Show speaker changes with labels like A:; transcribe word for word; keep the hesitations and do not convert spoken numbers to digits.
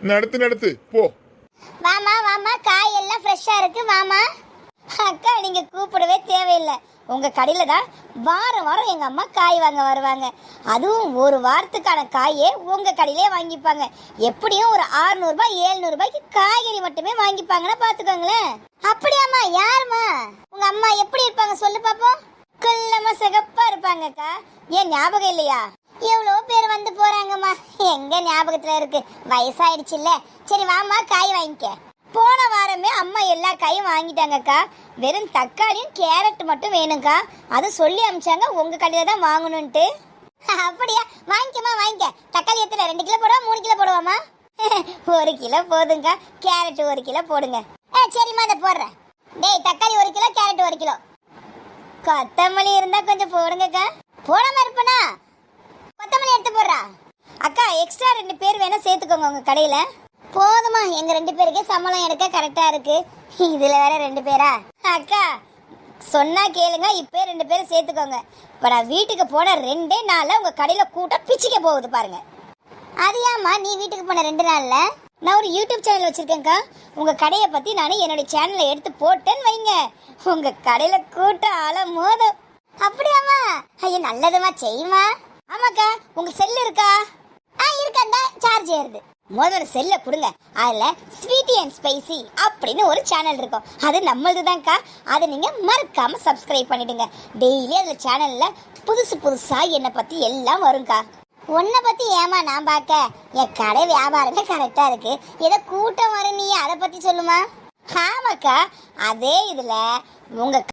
A: நடத்து நடத்து போ.
B: வாமா வாமா, காய் எல்லாம் ஃப்ரெஷ்ஷா இருக்கு வாமா. அக்கா நீங்க கூப்பிடவே தேவையில்லை. உங்க கடையில தான் வாரம் வாரம் எங்க அம்மா காய் வாங்க வருவாங்க. அதுவும் ஒரு வாரத்துக்கான காயே உங்க கடையிலே வாங்கிப்பாங்க. எப்படியும் ஒரு அறுநூறு ரூபாய் எழுநூறு ரூபாய்க்கு காய்கறி மட்டுமே வாங்கிப்பாங்கன்னா பாத்துக்கோங்களேன். அப்படியாம்மா? யாருமா உங்க அம்மா? எப்படி இருப்பாங்க சொல்லு பாப்போம். குள்ளமா சிகப்பா இருப்பாங்கக்கா. ஏன் ஞாபகம் இல்லையா? எவ்வளோ பேர் வந்து போறாங்கம்மா, எங்க ஞாபகத்துல இருக்கு, வயசாயிடுச்சுல்ல. சரி வாமா, காய் வாங்கிக்க. போன வாரமே அம்மா எல்லா காயும் வாங்கிட்டாங்கக்கா. வெறும் தக்காளியும் கேரட் மட்டும் வேணும்க்கா. அது சொல்லி அமிச்சாங்க உங்க கடையில தான் வாங்கணும்ட்டு. அப்படியா? வாங்கிக்கமா வாங்கிக்க. தக்காளி எத்தனை? ரெண்டு கிலோ போடுவா மூணு கிலோ போடுவாமா? ஒரு கிலோ போதுங்கக்கா. கேரட் ஒரு கிலோ போடுங்க. ஆ சரிம்மா, அதை போடுறேன். டேய், தக்காளி ஒரு கிலோ, கேரட் ஒரு கிலோ. கொத்தமல்லி இருந்தா கொஞ்சம் போடுங்கக்கா. போடாம இருப்பனா? கொத்தமல்லி எடுத்து போடுறா. அக்கா எக்ஸ்ட்ரா ரெண்டு பேர் வேணா சேர்த்துக்கோங்க உங்க கடையில. போதுமா, எங்க ரெண்டு பேருக்கே சம்பளம் எடுக்க கரெக்டா இருக்கு. இதுல வேற ரெண்டு பேரா? அக்கா சொன்னா கேளுங்க, இப்பே ரெண்டு பேரும் சேர்த்துக்கோங்க. இப்ப நான் வீட்டுக்கு போன ரெண்டே நாள்ல உங்க கடையில கூட்டம் பிச்சுக்க போகுது பாருங்க. அது ஏம்மா நீ வீட்டுக்கு போன ரெண்டு நாள்ல? நான் ஒரு யூடியூப் சேனல் வச்சிருக்கேன்க்கா. உங்க கடையை பத்தி நான் என்னுடைய சேனல்ல எடுத்து போட்டேன்னு வைங்க, உங்க கடையில கூட்டம் ஆள மோதும். அப்படியாமா? ஐயோ நல்லதுமா, செய்யுமா. ஆமாக்கா, உங்க செல்லு இருக்கா? ஆ இருக்காண்டா, சார்ஜ் ஏறுது. முதல்ல செல்ல கொடுங்க. அதுல ஸ்வீட்டி அண்ட் ஸ்பைசி அப்படின்னு ஒரு சேனல் இருக்கும், அது நம்மளது தான்க்கா. அதை நீங்க மறக்காம சப்ஸ்கிரைப் பண்ணிடுங்க. டெய்லி அதுல சேனல்ல புதுசு புதுசா என்னை பத்தி எல்லாம் வரும்க்கா. உன்னை பத்தி ஏமா நான் பார்க்க? என் கடை வியாபாரமே கரெக்டா இருக்கு. ஏதோ கூட்டம் வரும், நீ அதை பத்தி சொல்லுமா. ஆமாக்கா, அதே இதுல உங்க